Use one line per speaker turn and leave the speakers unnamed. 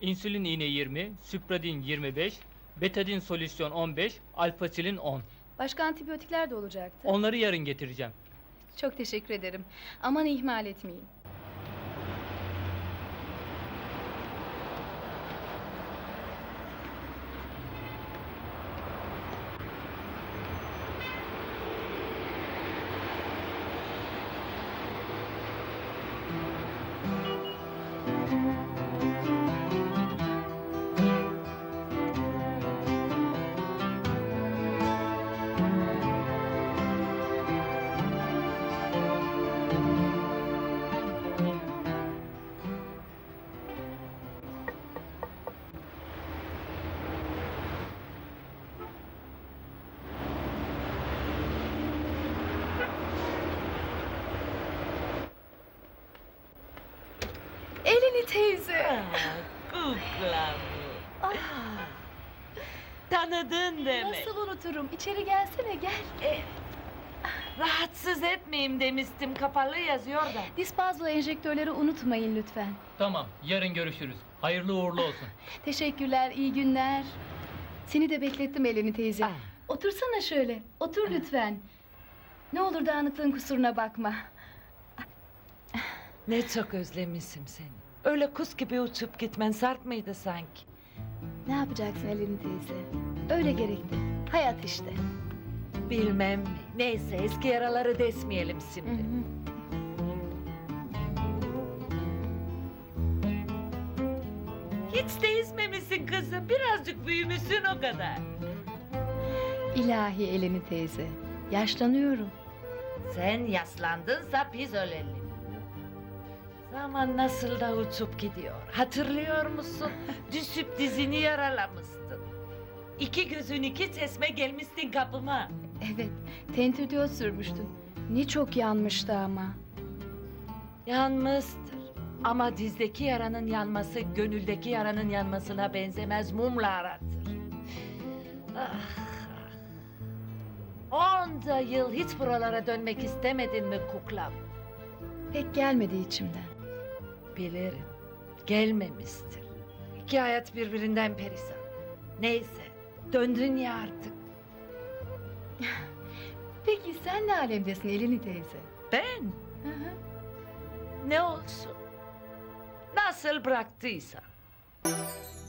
İnsülin iğne 20, Süpradin 25, Betadin solüsyon 15, Alfasilin 10.
Başka antibiyotikler de olacaktı.
Onları yarın getireceğim.
Çok teşekkür ederim. Aman ihmal etmeyin. Elini teyze.
Kuklam. Tanıdın demek.
Nasıl unuturum? İçeri gelsene, gel.
Rahatsız etmeyeyim demiştim, kapalı yazıyor da.
Dispazlo enjektörleri unutmayın lütfen.
Tamam, yarın görüşürüz. Hayırlı uğurlu olsun.
Teşekkürler, iyi günler. Seni de beklettim Eleni teyze. Otursana şöyle, otur lütfen. Ne olur dağınıklığın kusuruna bakma.
Ne çok özlemişim seni. Öyle kuş gibi uçup gitmen sarp mıydı sanki?
Ne yapacaksın Eleni teyze? Öyle gerekti. Hayat işte.
Bilmem mi? Neyse, eski yaraları desmeyelim
Hı
şimdi.
hı.
Hiç değişmemişsin kızım. Birazcık büyümüşsün o kadar.
İlahi Eleni teyze. Yaşlanıyorum.
Sen yaslandınsa biz ölelim. Zaman nasıl da uçup gidiyor. Hatırlıyor musun? Düşüp dizini yaralamıştın. İki gözün iki çeşme gelmiştin kapıma.
Evet, tentürdiyot sürmüştün. Ne çok yanmıştı ama.
Yanmıştır. Ama dizdeki yaranın yanması gönüldeki yaranın yanmasına benzemez, mumla aratır. Ah, ah. Onca yıl hiç buralara dönmek istemedin mi kuklam?
Pek gelmedi içimden.
Bilirim, gelmemiştir. İki hayat birbirinden perişan. Neyse, döndün ya artık.
Peki sen ne alemdesin Eleni teyze?
Ben
Hı hı.
ne olsun? Nasıl bıraktıysa.